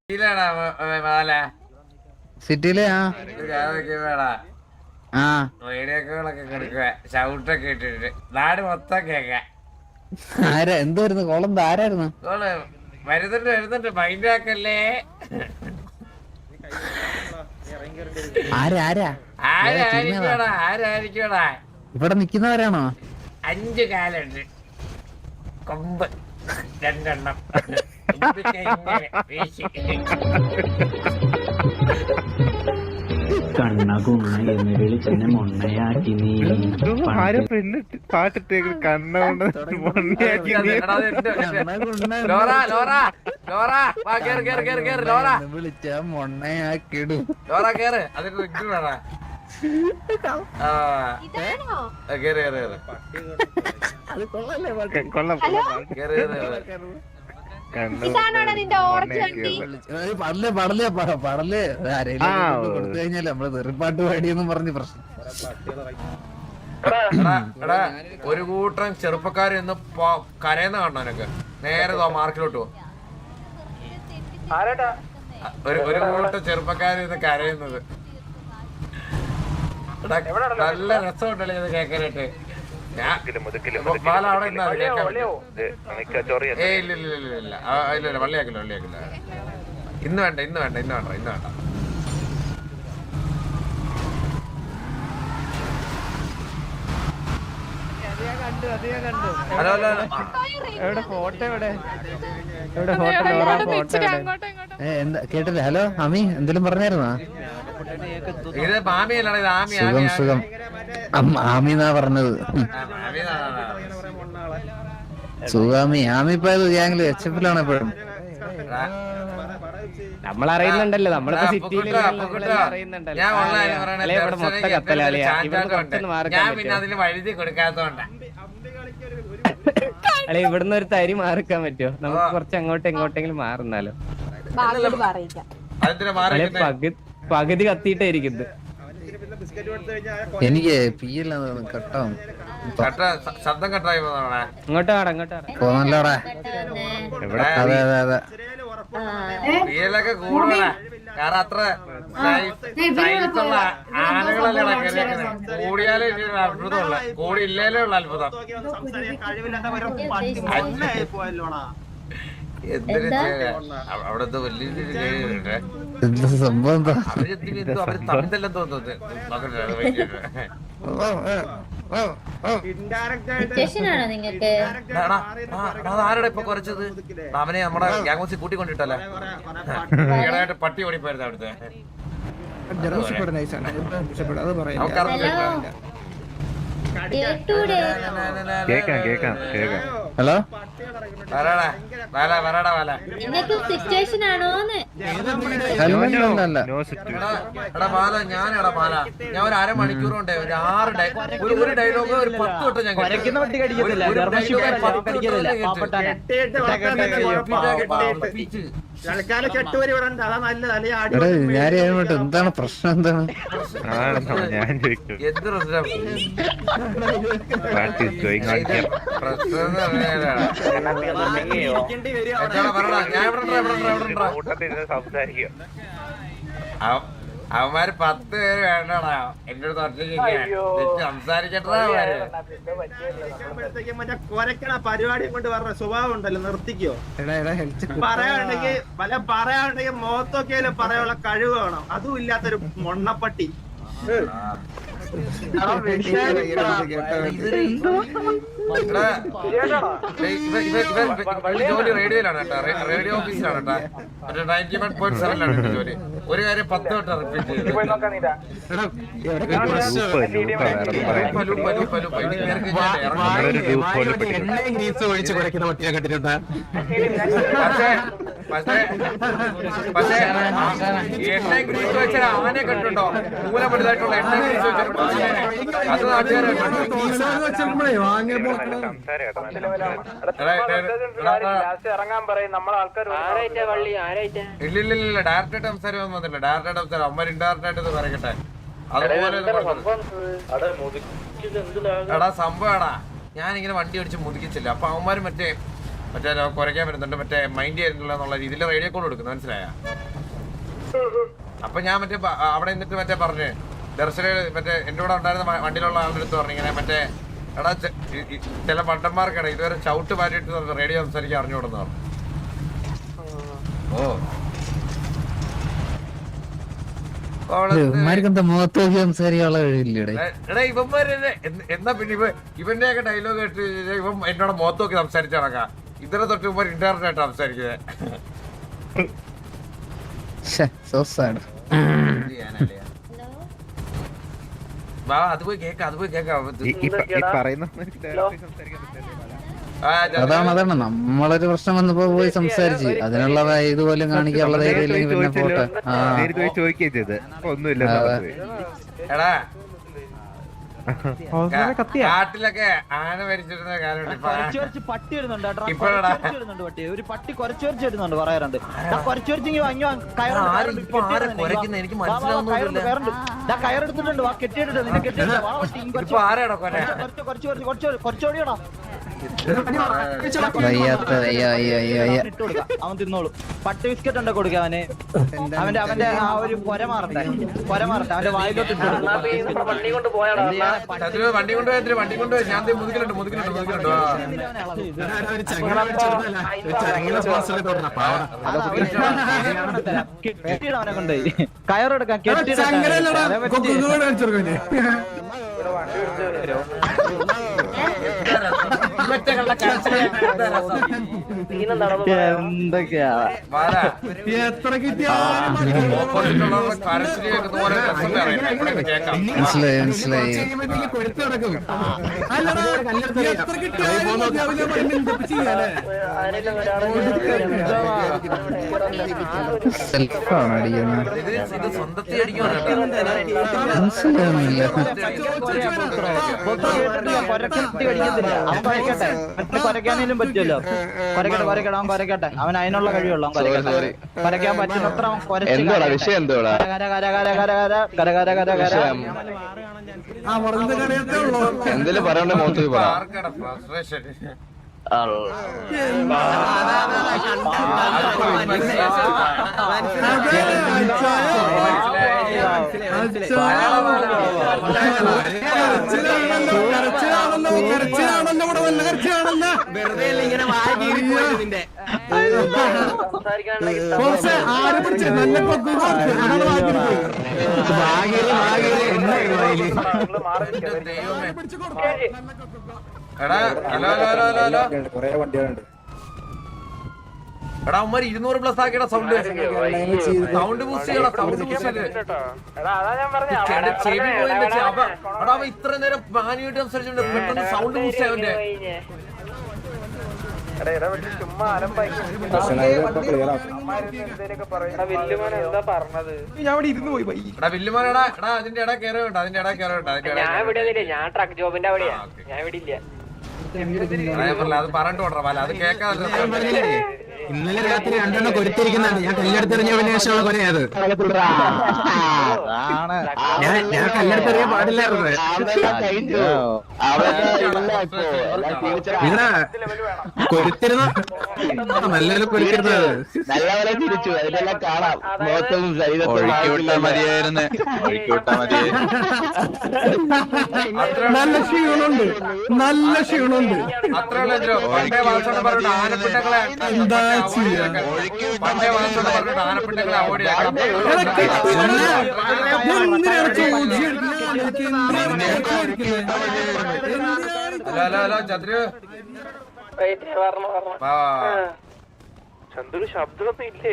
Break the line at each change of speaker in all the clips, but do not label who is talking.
സിറ്റിയിലെ
റേഡിയോകളൊക്കെ കൊടുക്കുക ഷൗട്ടൊക്കെ ഇട്ടിട്ട് നാട് മൊത്തം കേക്ക.
ആരാ എന്തായിരുന്നു കോളം? ആരായിരുന്നു?
വരുന്നുണ്ട് വരുന്നുണ്ട്, മൈൻഡ് ആക്കല്ലേ. ആരായിരിക്കടാ
ഇവിടെ നിക്കുന്നവരാണോ?
5 കാലുണ്ട്, കൊമ്പ് 2 എണ്ണം.
കണ്ണ കുണ്ണ എന്ന് വിളിച്ചെന്നെ മൊണ്ണയാക്കി നീ
പാട്ടിട്ടേക്ക് കണ്ണ കൊണ്ട് മൊണ്ണയാക്കി
വിളിച്ച മൊണ്ണയാക്കിടും.
കൊള്ളാം.
പടല് ആരെങ്കിലും കൊടുത്തു കഴിഞ്ഞാല് നമ്മള് തെറിപ്പാട്ട് പാടിയെന്നും പറഞ്ഞ് പ്രശ്നം.
ഒരു കൂട്ടം ചെറുപ്പക്കാർ ഇന്ന് കരയുന്ന കാണാനൊക്കെ നേരെ മാർക്കിലോട്ട് പോകും. ഒരു കൂട്ടം ചെറുപ്പക്കാർ ഇന്ന് കരയുന്നത് നല്ല രസമുണ്ടല്ലേ ഇത് കേൾക്കാനായിട്ട്. ഇല്ല വള്ളിയാക്കില്ല. ഇന്ന് വേണ്ട. ഹലോ
എവിടെ ഫോട്ടോ എവിടെ
എന്താ കേട്ടില്ല? ഹലോ അമി, എന്തെങ്കിലും പറഞ്ഞായിരുന്നോ?
ഇത് മാമിയല്ലാണ്, ഇത് ആമി.
സുഖം. ആമി എന്നാ പറഞ്ഞത്. സുഖാമി. ആമി ഇപ്പൊ ഗ്യാങ്ങില് HF-ലാണ് എപ്പോഴും.
നമ്മളറിയുന്നുണ്ടല്ലോ, നമ്മളിപ്പോ സിറ്റിയില് മൊത്തം കത്തലാളിയാ.
ഞാൻ പിന്നെ അതിന് വഴുതി കൊടുക്കാത്തോണ്ട.
അല്ലെ ഇവിടുന്ന് ഒരു തരി മാറിക്കാൻ പറ്റുമോ? നമുക്ക് കുറച്ച് അങ്ങോട്ടും ഇങ്ങോട്ടെങ്കിലും മാറുന്നാലോ. പകുതി കത്തിയിട്ടേ ഇരിക്കുന്നത്.
എനിക്ക് കട്ടാവും.
ശബ്ദം കട്ടായി
പോന്നല്ലോടാ. അതെ
പിയിലൊക്കെ കൂടുതലാ. കാരണം അത്ര സൈസുള്ള ആനകളല്ലേ കൂടിയാലേ അത്ഭുതമുള്ള, കൂടി ഇല്ലേലേ ഉള്ള അത്ഭുതം. അവിടത്തെ വലിയ
സംഭവം
അവര് തമ്മിലെല്ലാം തോന്നുന്നത്. ആരുടെ ഇപ്പൊ കുറച്ചത്? അവനെ നമ്മുടെ ഗ്യാങ്സിൽ കൂട്ടിക്കൊണ്ടിട്ടല്ലേ, ഈടായിട്ട് പട്ടി ഓടിപ്പോയിരുന്നു അവിടുത്തെ.
ഹലോ
ഞാൻ ഒരു അരമണിക്കൂർ കൊണ്ട് ഒരു 6 ഡയലോഗ് ഒരു 10 വട്ടം ഞാൻ
എന്താണ് പ്രശ്നം? എന്താണ്
എന്ത് അവന്മാര് 10 പേര് വേണ്ടടാ എന്റെ അടുത്ത് ഒറ്റയ്ക്ക് സംസാരിക്കട്ടാ.
കൊരക്കണ പരിപാടി കൊണ്ട് പറഞ്ഞ സ്വഭാവം ഉണ്ടല്ലോ, നിർത്തിക്കോ. പറയാനുണ്ടെങ്കിൽ മുഖത്തൊക്കെ പറയാനുള്ള കഴിവ് വേണം. അതും ഇല്ലാത്തൊരു മൊണ്ണപ്പട്ടി.
ജോലി റേഡിയോയിലാണ് കേട്ടോ, റേഡിയോ ഓഫീസിലാണ് കേട്ടോ, 91.7 ജോലി. ഒരു കാര്യം 10 വട്ടം റിപ്പീറ്റ് ചെയ്തു. പക്ഷേ എണ്ണ ഗ്രീസ് വെച്ചാൽ ആനെ കണ്ടിട്ടുണ്ടോ? മൂലപ്പെടുത്തായിട്ടുള്ള എണ്ണ ഗ്രീസ് വെച്ചിട്ടുണ്ടോ? അത് ഇല്ലില്ല, ഡയറക്റ്റായിട്ട് സംസാരം വന്നില്ല. ഡയറക്റ്റായിട്ട് സംസാരം അമ്മ ഇൻഡയറക്റ്റായിട്ട് പറയട്ടെ. അതുപോലെ എടാ സംഭവം എടാ, ഞാനിങ്ങനെ വണ്ടി ഓടിച്ച് മുതിക്കിച്ചില്ല. അപ്പൊ അവന്മാര് മറ്റേ മറ്റേ കുറയ്ക്കാൻ വരുന്നുണ്ട് മറ്റേ മൈൻഡ് ചെയ്യുന്നില്ല എന്നുള്ള രീതിയിൽ റേഡിയോ കോൾ കൊടുക്കുന്നു, മനസ്സിലായ? അപ്പൊ ഞാൻ മറ്റേ അവിടെ നിന്നിട്ട് മറ്റേ പറഞ്ഞ് ദർശന മറ്റേ എന്റെ കൂടെ ഉണ്ടായിരുന്ന വണ്ടിയിലുള്ള ആളുടെ അടുത്ത് പറഞ്ഞു ഇങ്ങനെ മറ്റേ എടാ ചില പണ്ടന്മാർക്കാണ് ഇതുവരെ ചവിട്ട് മാറ്റിയിട്ട് റേഡിയോ സംസാരിക്കാൻ അറിഞ്ഞുകൊടുന്നു പറഞ്ഞു.
ഇവന്മാർക്കെന്താ മുഖത്ത് നോക്കി സംസാരിക്കാനുള്ള കഴിവില്ലേ?
എടാ ഇവന്മാര് എന്നാ പിന്നെ ഇവന്റെ ഒക്കെ ഡയലോഗ് കേട്ട് ഇവൻ എന്നോട് മുഖത്ത് നോക്കി സംസാരിച്ചു നടക്കാം. ഇതിനെ തൊട്ട് ഇവന്മാർ ഇന്റർനെറ്റ് ആയിട്ട് സംസാരിക്കുന്നത്. അത് പോയി കേക്കാം
അതാണ് നമ്മളൊരു പ്രശ്നം വന്നപ്പോ പോയി സംസാരിച്ച് അതിനുള്ള ഇതുപോലും കാണിക്കാനുള്ള ധൈര്യം ഇല്ലെങ്കിൽ പിന്നെ പോട്ടെ.
എടാ കാട്ടിലൊക്കെ ആന മരിച്ചിരുന്ന കാലമുണ്ട്.
പട്ടി ഇടുന്നുണ്ട്
ഇപ്പഴാടാ
ഒരു പട്ടി കുറച്ചു ഇടുന്നുണ്ട് പറയാറുണ്ട്.
എനിക്ക് മനസ്സിലാവുന്നില്ല.
കയറെടുത്തിട്ടുണ്ട് വാ കെട്ടിയിട്ടുണ്ട് നിന്നെ കെട്ടിയിട്ടുണ്ട്
ഇപ്പൊ ആരാടാ കൊല?
കുറച്ചോടിയോടാ അവൻ തിന്നോളൂ. പട്ടി ബിസ്ക്കറ്റ് ഉണ്ടോ കൊടുക്ക അവന്. അവന്റെ ആ ഒരു കൊര മാറട്ടെ അവന്റെ വായിലോട്ട്
വണ്ടി കൊണ്ടുപോയി ഞാൻ മുതുകിലുണ്ട്
കെട്ടിയിടവനെ കൊണ്ടുപോയി കയറെടുക്കാൻ കെട്ടിയിട എന്തൊക്കെയാ
മനസ്സിലായി മനസ്സിലായി. സെൽഫാണ് അടിക്കുന്നത്. മനസ്സിലാവുന്നില്ല.
കൊരക്കാനേലും പറ്റുമല്ലോ. കൊരക്കട്ടെ അവൻ കൊരക്കട്ടെ. അവൻ അതിനുള്ള കഴിവുള്ളൂ. അവൻ കൊരക്കട്ടെ. കൊരക്കാൻ പറ്റുന്നത്ര അവൻ
എന്തെങ്കിലും പറയണ്ടേ മോത്ത് പറ.
എടാ ഹലോ എടാ ഉമ്മാര് 200+ ആക്കിയടാ സൗണ്ട് ബൂസ്റ്റ് ചെയ്യടാ. ചെവി പോയിന്റെ എടാ അവൻ ഇത്ര നേരം മാനുവായിട്ട് സംസാരിച്ചോണ്ട് പെട്ടെന്ന് സൗണ്ട് ബൂസ്റ്റ് ആവന്റെ. വില്ലുമോനെടാ എടാ അതിന്റെ ഇട കയറുണ്ട്
ഞാൻ ട്രക്ക് ജോബിന്റെ അവിടെയാ. ഞാൻ ഇവിടെ ഇല്ല.
അത് പറഞ്ഞിട്ട് കൊണ്ടാ അത് കേൾക്കാതെ
ഇന്നലെ രാത്രി 2 കൊരുത്തിരിക്കുന്നുണ്ട്. ഞാൻ കല്ലെടുത്തെറിഞ്ഞതിന് ശേഷമുള്ള കൊരയത്. ഞാൻ കല്ലെടുത്തെറിയാൻ പാടില്ലായിരുന്നു. ഇവിടെ കൊരുത്തിരുന്ന നല്ലപോലെ കൊരുത്തിരുന്നത്
നല്ലപോലെ തിരിച്ചു. അതിലെല്ലാം കാണാം. മതിയായിരുന്നു.
നല്ല ക്ഷീണുണ്ട്.
അത്ര ആനപ്പിണ്ടങ്ങളെ
എന്താ ചെയ്യാ?
പണ്ടേ വാസോട് പറഞ്ഞിട്ട് ആനപ്പിണ്ടങ്ങളെ അവോയ്ഡ് ഹലോ ചന്ദ്രു
ചന്ദ്രു ശബ്ദമൊന്നും ഇല്ലേ?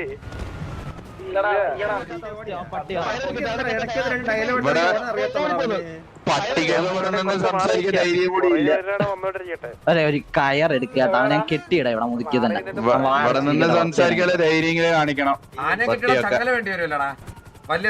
അതെ ഒരു കയറെടുക്കുക. അവനെ കെട്ടിയിട ഇവിടെ മുതുക്കി തന്നെ
സംസാരിക്കാനുള്ള ധൈര്യം കാണിക്കണം.
ആന കിട്ടിയ ചങ്ങല വേണ്ടി വരുമല്ലടാ. വലിയ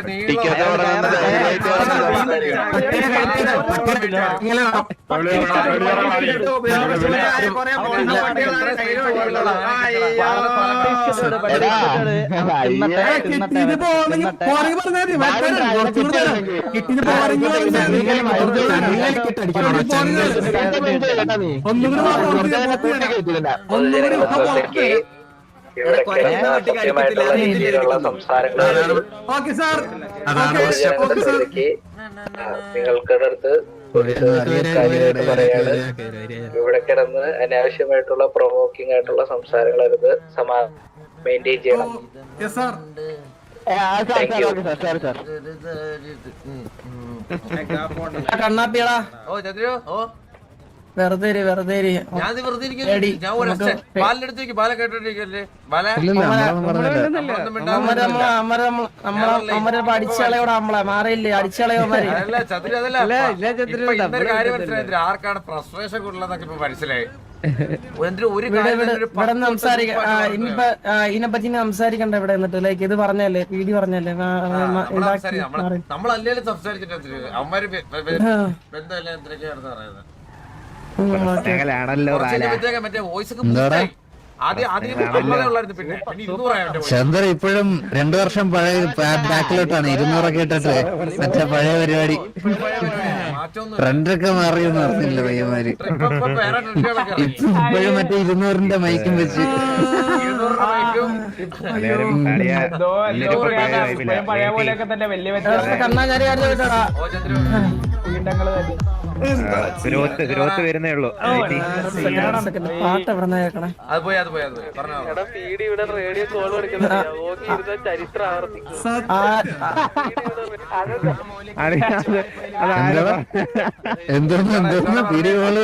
നിങ്ങൾക്കടുത്ത് കാര്യമായിട്ട് പറയാണ്. ഇവിടെ കിടന്ന് അനാവശ്യമായിട്ടുള്ള പ്രൊവോക്കിംഗ് ആയിട്ടുള്ള സംസാരങ്ങളരുത്, മെയിൻറ്റെയിൻ ചെയ്യണം.
കണ്ണാപ്പിയടാ വെറുതെ
ഞാൻ വെറുതെ ബാലെടുത്തേക്ക് ബാല കേട്ടോണ്ടിരിക്കല്ലേ ബാല
അടിച്ചളയോടെ നമ്മളെ മാറിയില്ലേ അടിച്ചളയോമാര്
അല്ല ചതുരി അതല്ല ഇന്നൊരു കാര്യം മനസ്സിലായി. ആർക്കാണ് ഫ്രസ്ട്രേഷൻ കൂടുതലെന്നൊക്കെ ഇപ്പൊ മനസ്സിലായി.
ഇവിടെ സംസാരിക്കാം. ഇനിയിപ്പോ ഇതിനെപ്പറ്റി സംസാരിക്കണ്ട ഇവിടെ എന്നിട്ട് ലൈക്ക് ഇത് പറഞ്ഞല്ലേ പീഡി പറഞ്ഞല്ലേ
നമ്മളല്ലേ സംസാരിച്ചിട്ട് അവന്മാര് ബന്ധമല്ല എന്തൊക്കെയാണെന്ന് പറയുന്നത്. മറ്റേ വോയിസ്
ചന്ദ്ര ഇപ്പോഴും 2 വർഷം പഴയ ബാക്കിലോട്ടാണ് 200 ഇട്ടിട്ട് മറ്റേ പഴയ പരിപാടി ട്രെൻഡൊക്കെ മാറിയെന്ന് അറിഞ്ഞില്ല പയ്യന്മാര്. ഇപ്പോഴും മറ്റേ 200ന്റെ മൈക്കും വെച്ച്
ഗ്രോത്ത് വരുന്നേ ഉള്ളൂ.
പാട്ട് എവിടെ കേൾക്കണേ
എന്തോന്ന് വീഡിയോ കോൾ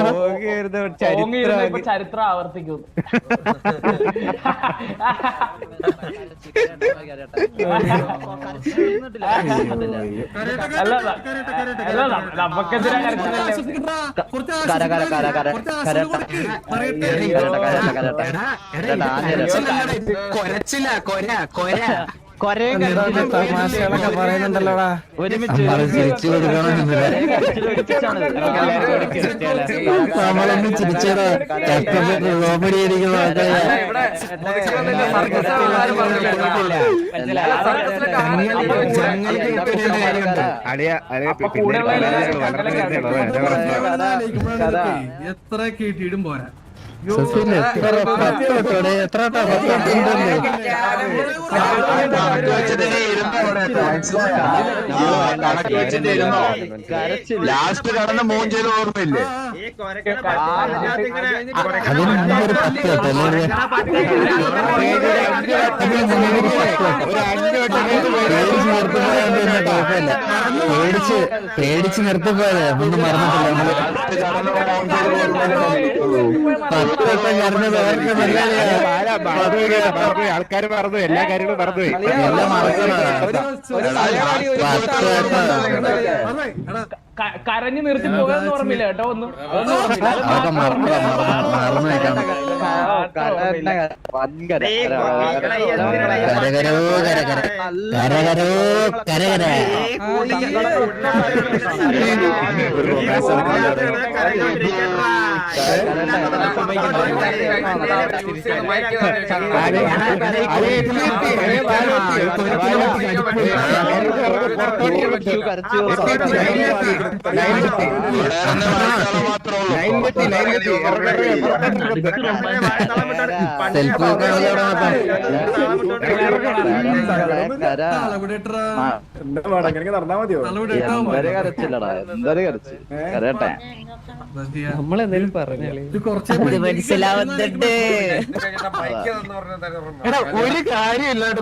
ചരിത്രം ആവർത്തിക്കും. തമാശകളൊക്കെ പറയുന്നുണ്ടല്ലോടാ.
നമ്മളൊന്നും ചിരിച്ചടാ കോമഡി അടിക്കുന്ന
എത്ര കേട്ടിടും പോരാ.
എത്ര
ലാസ്റ്റ് കടന്ന് മോൻ ചെയ്ത് ഓർമ്മയില്ലേ?
അതിനൊരു 10 പേടിച്ച് നിർത്തിപ്പോയത് ഒന്നും മറന്നിട്ടില്ല.
ആൾക്കാർ മറന്നു, എല്ലാ കാര്യങ്ങളും മറന്നുപോയി.
കരഞ്ഞു നിർത്തി പോകാന്ന് ഓർമ്മയില്ല കേട്ടോ. ഒന്നും നമ്മളെന്തേലും പറഞ്ഞാലേ മനസ്സിലാവുന്നുണ്ട്.
ഒരു കാര്യമില്ലാണ്ട്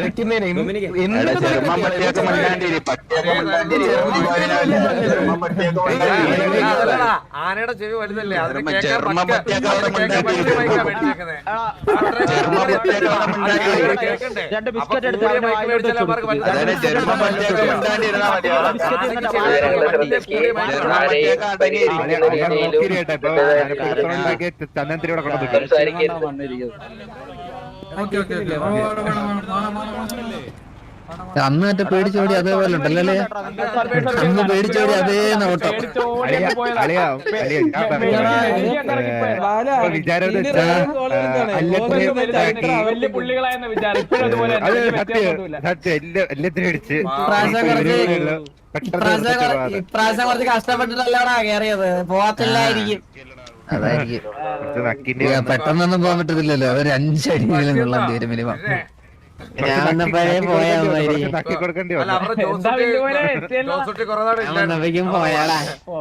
ആനയുടെ ചെവി വലുതല്ലേ?
രണ്ട് ബിസ്ക്കറ്റ് എടുത്ത്
ചന്ദനത്തിലൂടെ
ഓക്കെ
അന്ന് മറ്റേ പേടിച്ചോടി അതേപോലെ ഉണ്ടല്ലേ? അന്ന് പേടിച്ചോടി അതേ നോട്ടം.
വിചാരം എല്ലാത്തിനും അടിച്ച്
ഇപ്രാവശ്യം കുറച്ച് കഷ്ടപ്പെട്ടിട്ടല്ലോടാ കേറിയത്, പോകത്തില്ലായിരിക്കും.
അതായിരിക്കും. പെട്ടെന്നൊന്നും പോകാൻ പറ്റത്തില്ലല്ലോ, ഒരു 5 അടിയെങ്കിലും കൊള്ളാൻ തീരും മിനിമം. ഞാൻ വന്നപ്പോഴേ പോയാ
തക്കി കൊടുക്കേണ്ടി
അല്ല
വന്നു.
അവരുടെ ജോസൂട്ടി കുറെ നാട്
വന്നപ്പോഴേക്കും പോയാടാ.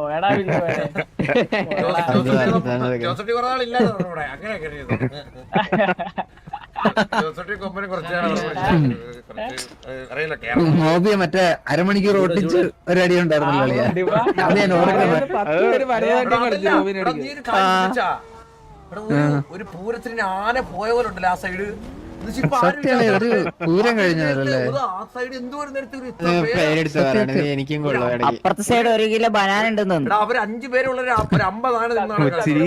ജോസൂട്ടി കുറെ നാളില്ലാതെ ഇവിടെ അങ്ങനെയൊക്കെ ജോസൂട്ടി കൊമ്പന് കുറച്ചാണ് അറിയില്ല കേരളം
മോബിയ മറ്റേ അരമണിക്കൂർ ഓട്ടിച്ച് ഒരു അടി ഉണ്ടായിരുന്നല്ലോ. അത് ഞാൻ ഓർക്കുന്നത്.
ഒരു പൂരത്തിന് ആന പോയ പോലെ ഉണ്ടല്ലോ ആ സൈഡ്.
സത്യമാണ്, ഒരു പൂരം കഴിഞ്ഞതല്ലേ.
എനിക്കും
അപ്പുറത്തെ സൈഡ് 1 കിലോ ബനാന ഉണ്ടെന്ന്.
അവര് 5 പേരുള്ള ഒരു 50 ആന നിന്നാണ്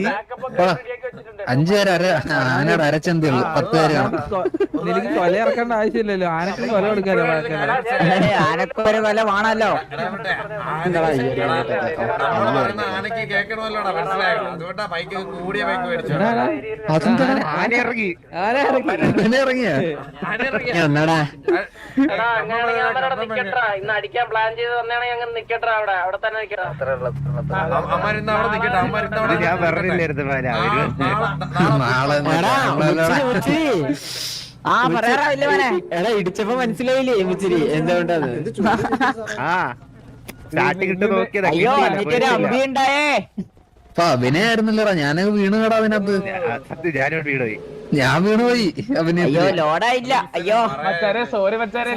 5 പേര് ആനയുടെ അരച്ചന്തി ഉള്ളു, 10 പേര് കാണും.
എനിക്ക് കൊല ഇറക്കേണ്ട ആവശ്യമില്ലല്ലോ, ആനക്ക് കൊല കൊടുക്കാലോ.
ആനക്ക് ഒരു കൊല വേണല്ലോ.
ആനക്ക് കേൾക്കണമല്ലോടാ, മനസ്സിലായോ? അതുകൊണ്ടാ ബൈക്ക് കൂടിയ ബൈക്ക് മേടിച്ചു.
ആന ഇറങ്ങി
ഇറങ്ങിയ
അമ്മമാരുന്ന അവിടെ നിക്കട്ടെ, അമ്മമാരുന്ന
ഞാൻ പറഞ്ഞില്ലായിരുന്നു
എടാ ഇടിച്ചപ്പോ മനസ്സിലായില്ലേ മുച്ചിരി എന്തുകൊണ്ടാണ്?
സ്റ്റാർട്ടിങ് ഇട്ട് നോക്കിയതാ.
അയ്യോ എന്നിട്ടൊരു അമ്പി ഉണ്ടായേ.
അഭിനയായിരുന്നല്ലോടാ, ഞാനൊക്കെ വീണ് കേടാ അതിനകത്ത്.
സത്യം ഞാനോട് വീണുപോയി.
ഞാൻ വീണുപോയി
അയ്യോ ലോഡായില്ല. അയ്യോ
സോറി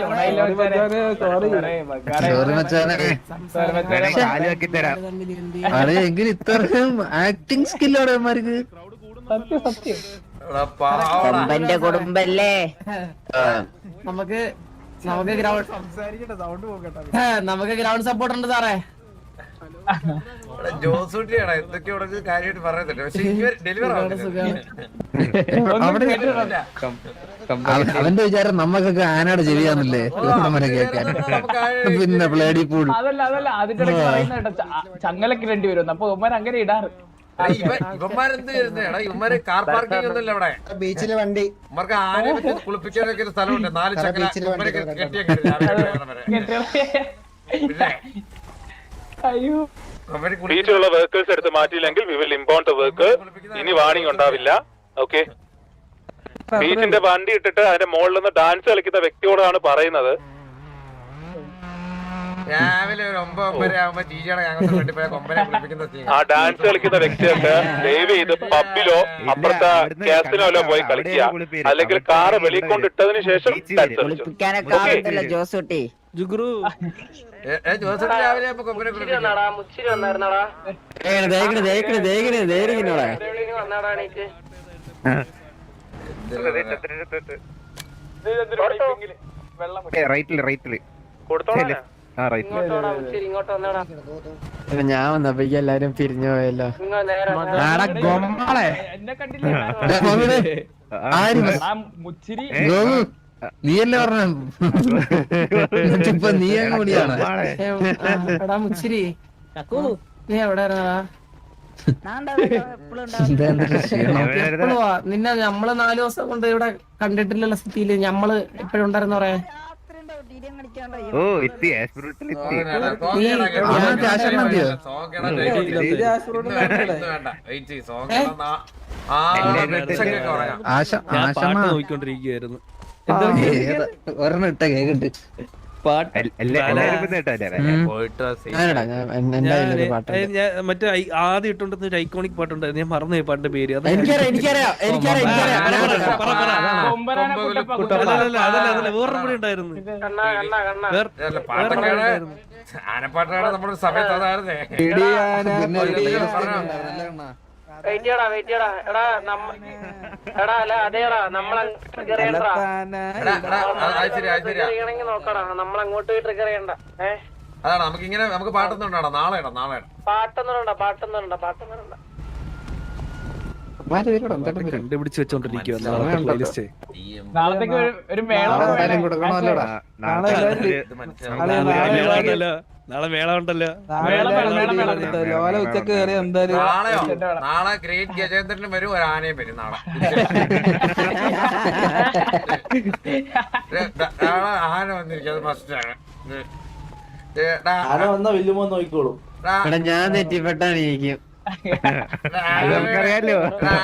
മച്ചാനെ.
കാല് വെക്കി തരാം.
അതെ എങ്കിലും ഇത്രയും ആക്ടിങ് സ്കില്ലോടെ അവന്മാർക്ക്.
കൊമ്പന്റെ കുടുംബല്ലേ.
നമുക്ക് ഗ്രൗണ്ട് സപ്പോർട്ട് ഉണ്ട് സാറേ.
ജോസൂട്ടിയാടാ എന്തൊക്കെ ഇവിടെ കാര്യമായിട്ട് പറയുന്നുണ്ട്, പക്ഷെ ഡെലിവർ
അവന്റെ വിചാരം നമ്മക്കൊക്കെ ആനയുടെ ചെവിയാന്നല്ലേ നമ്മളെ കേൾക്കാൻ. പിന്നെ പ്ലേഡി പൂൾ
ചങ്ങലക്ക് രണ്ടുപേരും അപ്പൊ ഉമ്മൻ അങ്ങനെ ഇടാറ്.
ഇവന്മാരെന്ത് ചെയ്യുന്നേടാ, ഇവന്മാര് കാർ പാർക്കിംഗ് ഒന്നുമില്ല ഇവിടെ.
ബീച്ചിലെ വണ്ടി
ഇവർക്ക് ആനയെ വെച്ച് കുളിപ്പിക്കാനൊക്കെ ഒരു സ്ഥലമുണ്ട്, 4 ചക്കര കെട്ടിയൊക്കെ.
അയ്യോ
ബീച്ചിലുള്ള വർക്കേഴ്സ് എടുത്ത് മാറ്റിയില്ലെങ്കിൽ we will impound the work. ഇനി വാണിംഗ് ഉണ്ടാവില്ല. ഓക്കെ, ബീച്ചിന്റെ വണ്ടി ഇട്ടിട്ട് അതിന്റെ മുകളിൽ നിന്ന് ഡാൻസ് കളിക്കുന്ന വ്യക്തിയോടാണ് പറയുന്നത്.
രാവിലെ ഒരു 9-9 ആകുമ്പോ ടീച്ചറെ ഞങ്ങൾക്ക് വേണ്ടി പോയ കൊമ്പനെ കുളിപ്പിക്കുന്ന
ആ ഡാൻസ് കളിക്കുന്ന വ്യക്തിയൊക്കെ ദയവ് ചെയ്ത് പബ്ബിലോ അപ്പുറത്തെ കാസിനോലോ പോയി കളിക്കുക, അല്ലെങ്കിൽ കാറ് വെളിയിൽ കൊണ്ടിട്ടതിന് ശേഷം
ജോസൂട്ടി
ജോസൂട്ടി രാവിലെ ആകുമ്പോ കൊമ്പനെ കുളിപ്പിക്കും.
റൈറ്റില്
ഞാൻ വന്നപ്പോ എല്ലാരും പിരിഞ്ഞു പോയല്ലോ.
നീയല്ലേ പറഞ്ഞ നീ അങ്ങ് കൂടിയാണ്.
എടാ മുച്ചിരി നീ എവിടെ നിന്നെ നമ്മള് 4 ദിവസം കൊണ്ട് ഇവിടെ കണ്ടിട്ടില്ലല്ലോ സിറ്റിയില്. ഞമ്മള് എപ്പോഴും ഉണ്ടായിരുന്നു പറയാ.
ഓ എത്തി ആസ്പിറേറ്ററിൽ എത്തി.
നോക്കിക്കൊണ്ടിരിക്കുകയായിരുന്നു.
ഒരെണ്ണം ഇട്ട കേക്കിട്ട്
മറ്റേ ആദ്യം ഇട്ടുണ്ടെന്ന് ഒരു ഐക്കോണിക് പാട്ടുണ്ടായിരുന്നു, ഞാൻ മറന്നുപോയി പാട്ടിന്റെ പേര്. അതല്ല വേറെ കൂടെ ഉണ്ടായിരുന്നു.
ആനപ്പാട്ടാണ് നമ്മുടെ സമയത്ത് അതായിരുന്നേ. അതാണ് നമുക്കിങ്ങനെ നമുക്ക് പാട്ടൊന്നും ഉണ്ടാടാ. നാളെ പാട്ടൊന്നും
കണ്ടുപിടിച്ച് വെച്ചോണ്ടിരിക്കുക
നാളത്തേക്ക് ഒരു മേളം
നാളെ മേള ഉണ്ടല്ലോ
ഉച്ചക്ക് കയറി എന്തായാലും
നാളെ ഗ്രേറ്റ് ഗജേന്ദ്രനും വരും ഒരു ആനയും വരും നാളെ നാളെ ആന വന്നിരിക്കും അത് ഫസ്റ്റ് ആണ്
നോക്കിക്കോളൂ
ഞാൻ തെറ്റിപ്പെട്ടാണ് ഇരിക്കും
നമുക്കറിയാലോ.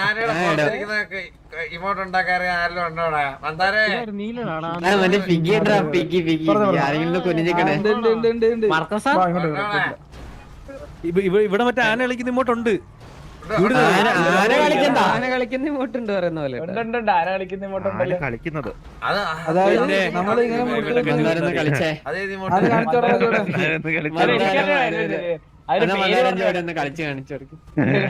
ഇമോട്ട് ഉണ്ടാക്കാറ് ആരെല്ലാം ഉണ്ടോടാ മന്ദാരേ
മറ്റേ പിഗി പിഗി പിഗി ആരെങ്കിലും കുനിഞ്ഞിക്കണേ
ഇവിടെ മറ്റേ ആന കളിക്കുന്ന ഇങ്ങോട്ടുണ്ട്
ആന കളിക്കണ്ട
ആന കളിക്കുന്ന ഇങ്ങോട്ടുണ്ട് പറയുന്ന പോലെ
കളിക്കുന്നത്
അതായത് നമ്മളിങ്ങനെ
കളിച്ചേ
അതേത്
അത്
ഇമോട്ട്
കളിച്ച് കാണിച്ചു കൊടുക്കും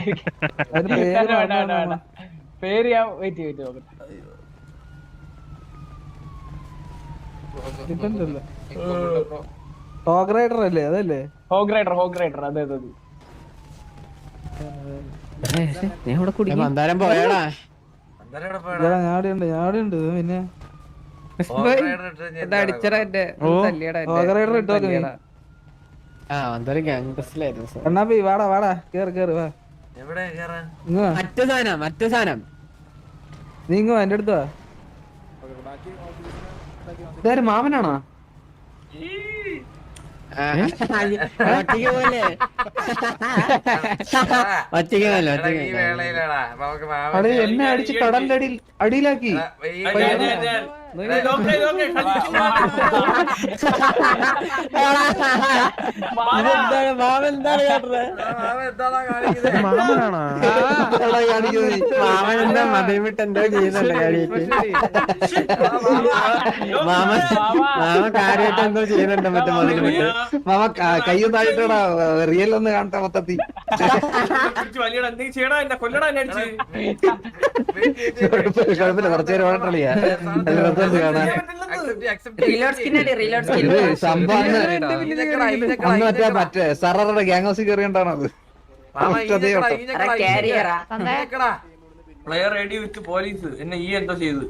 പേര് ഞാൻ വെയിറ്റ് നോക്കട്ടെ ഹോഗ് റൈഡർ അല്ലേ അതല്ലേ ഹോഗ് റൈഡർ അതെ
മന്ദാരം പോയാടാ
ഞാടുണ്ട് പിന്നെ
അടിച്ചടാ എന്റെ
ഹോഗ് റൈഡർ ഇട്ടോ
മന്ദാരം ഗാങ്സ്റ്ററിലായിരുന്നു
കണ്ണാപ്പി വാടാ കേറ് വാ
എവിടെ കേറാൻ
മറ്റു സാധനം
നീ ഇങ്ങോ എന്റെ അടുത്ത് വാ ഇതാര് മാമനാണോ
ഒറ്റയ്ക്ക് പോലെ ഒറ്റയ്ക്ക് പോലെ
ഈ വേളയിലാടാ അപ്പൊ നമുക്ക്
അടി എന്നെ അടിച്ച് കടലിന്റെ അടിയിലാക്കി
മാമനെന്താണ് മാമനെന്താ മതം വിട്ട് എന്തോ ചെയ്യുന്നുണ്ട് കാര്യമായിട്ട് മാമ കാര്യമായിട്ട് എന്തോ ചെയ്യുന്നുണ്ട് മറ്റേ മതിൽ വിട്ട്
മാമ കയ്യും താഴ്ത്തടാ റിയൽ ഒന്ന് കാണട്ടെ മൊത്തത്തിൽ കുഴപ്പമില്ല കുറച്ചു നേരം ഓടട്ടളിയാ കാണാൻ മറ്റേ സററുടെ ഗ്യാങ് ഹൗസിൽ കയറിയോണ്ടാണോ അത്
പ്ലെയർ റെഡി വിത്ത് പോലീസ് എന്നെ ഈ എന്തോ ചെയ്തു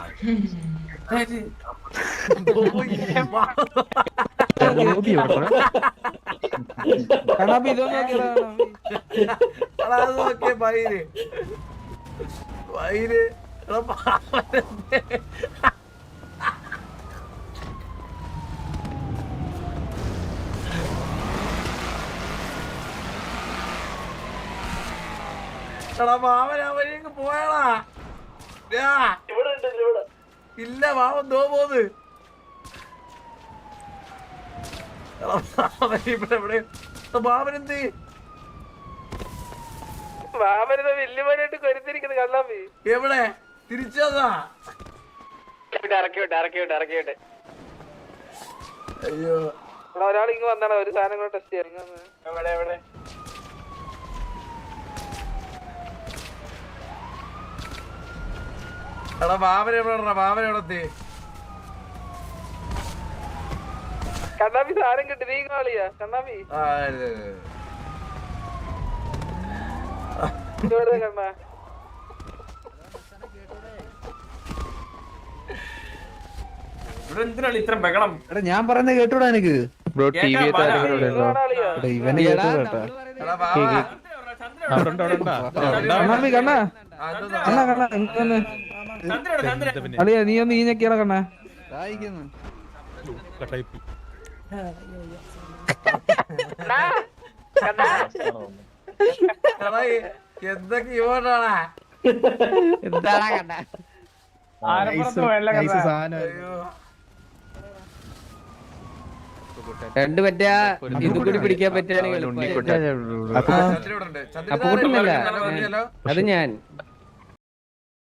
മാമൻ പോയാളാ ഇല്ല മാമൻ തോ പോന്ന് മാമനെന്ത്
മാമനെ വല്യമാനായിട്ട് കരുത്തിരിക്കുന്നത് കള്ളാമ്പി
എവിടെ തിരിച്ചതാ
ഇറക്കിവിട്ടെ
അയ്യോ
ഒരാൾ ഇങ്ങ് വന്നാണ് ഒരു സാധനം കൂടെ ടെസ്റ്റ് ചെയ്യാൻ എവിടെ
എടാ മാമൻ എവിടെ മാമൻ എവിടെ
കണ്ണാപ്പി സാധനം കിട്ടി നീ കാളിയാ കണ്ണാപ്പി കണ്ണാ
എന്തിനാണ് ഇത്ര ബഹളം
എടാ ഞാൻ പറയുന്നത് കേട്ടൂടാ എനിക്ക് കണ്ണാപ്പി കണ്ണാ അളിയാ നീ ഒന്ന് ഈഞ്ഞൊക്കെയാണോ കണ്ണാ
എന്തൊക്കെ ഇവോട്ടാണാ
എന്താടാ കണ്ട രണ്ട് പറ്റാ ഇത് കൂടി പിടിക്കാൻ പറ്റുകയാണെങ്കിൽ അത് ഞാൻ